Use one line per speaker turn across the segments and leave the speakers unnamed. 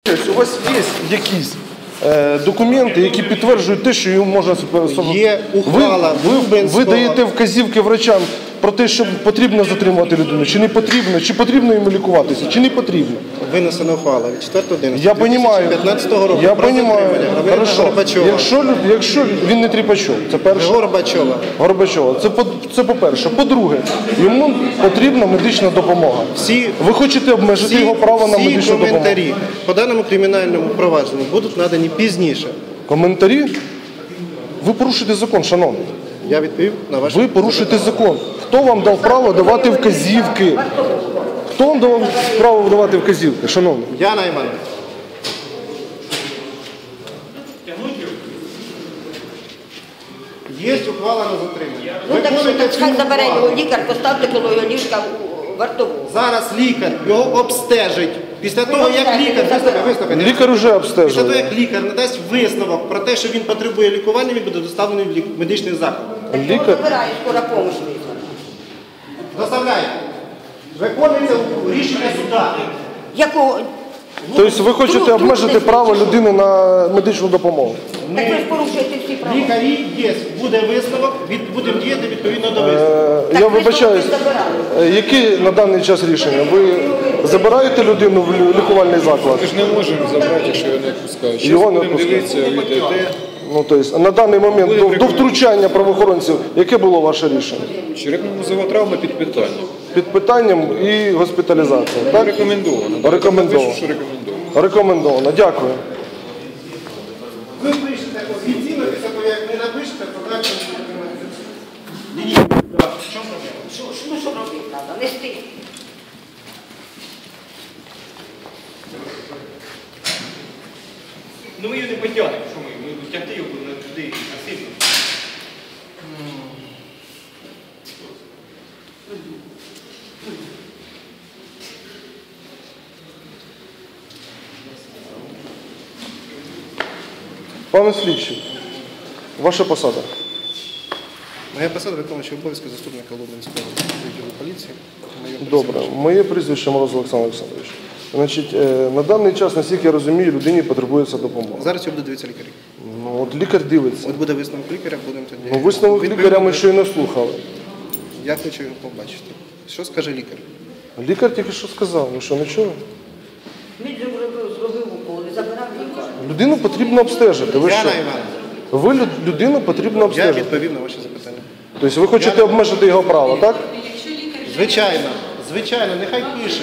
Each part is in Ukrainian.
У вас є якісь документи, які підтверджують те, що йому можна...
Є ухвала
Ви даєте вказівки врачам про те, що потрібно затримувати людину, чи не потрібно, чи потрібно йому лікуватися, чи не потрібно?
Винесена ухвала від 4.11.2015
Я розумію.
року про затримання громадянина Горбачова.
Якщо він не Тріпачов, це перше. Горбачова. Це по-перше. По-друге, йому потрібна медична допомога. Ви хочете обмежити його право на медичну допомогу?
Всі коментарі по даному кримінальному провадженню будуть надані пізніше.
Коментарі? Ви порушуєте закон, шановний.
Я відповів на ваше
Ви порушуєте закон. Хто вам дав право давати вказівки? Хто вам дав право давати вказівки, шановний?
Я Найман. Є ухвала на затримання.
Ну так що, так хай забере його лікар, поставте коло його ліжка в вартову.
Зараз лікар його обстежить. Після того, як лікар,
Лікар вже
після
обстежує.
того, як лікар надасть висновок про те, що він потребує лікування, він буде доставлений в медичний заклад.
Його забирає, скоро помощь визвана.
Доставляйте. Виконується рішення суда.
Якого?
Тобто ви хочете обмежити право людини на медичну допомогу?
Так ви ж порушуєте всі права.
Лікарі є, буде висновок, будемо діяти відповідно до висновку.
Я вибачаюсь, які на даний час рішення? Ви забираєте людину в лікувальний заклад?
Ми ж не можемо забрати, якщо його не відпускають.
Його не відпускають. Ну, тобто, на даний момент, до втручання правоохоронців, яке було ваше рішення?
Черепно-мозова травма під питанням.
Під питанням і госпіталізація, так?
Рекомендовано.
Рекомендовано.
Що рекомендовано.
Рекомендовано, дякую.
Ви пишете офіційно, після того, як не напишете, то далі ні.
Що робити треба? Нести.
Ну ми її не потягнемо, що ми тягти його туди насильно.
Пане слідчий, ваша посада?
Моя посада виконуючий обов'язки заступника Лубенського відділу поліції.
Добре. Моє прізвище Мороз Олександр Олександрович. Значить, на даний час, наскільки я розумію, людині потребується допомога.
Зараз його буде дивитися лікарі.
Ну, от лікар дивиться.
От буде висновок лікаря, будемо тоді.
Ну, висновок лікаря ми щойно слухали.
Я хочу його побачити. Що скаже лікар?
Лікар тільки що сказав, ви що, не чули?
Він же зробив укол, забирав лікар.
Людину потрібно обстежити. Ви
Я
що?
Найман.
Людину потрібно
Я
обстежити.
відповів на ваші запитання.
Тобто ви хочете обмежити його право, так?
Звичайно, звичайно, нехай пише.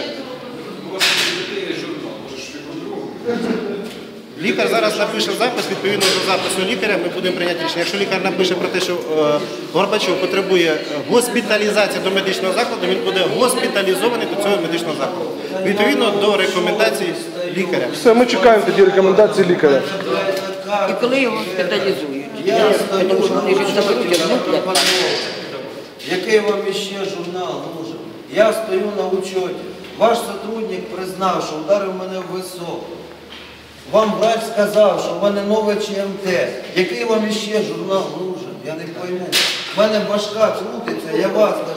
Лікар зараз напише запис, відповідно до запису лікаря ми будемо прийняти рішення. Якщо лікар напише про те, що Горбачов потребує госпіталізації до медичного закладу, він буде госпіталізований до цього медичного закладу. Відповідно до рекомендацій лікаря.
Все, ми чекаємо тоді рекомендації лікаря.
І коли його госпіталізують? Тому що вони ж заберуть, а
Який вам іще журнал нужен? Я стою на учеті. Ваш сотрудник признав, що вдарив мене в висок. Вам врач сказав, що в мене нове ЧМТ. Який вам іще журнал нужен? Я не пойму. В мене башка крутиться, я вас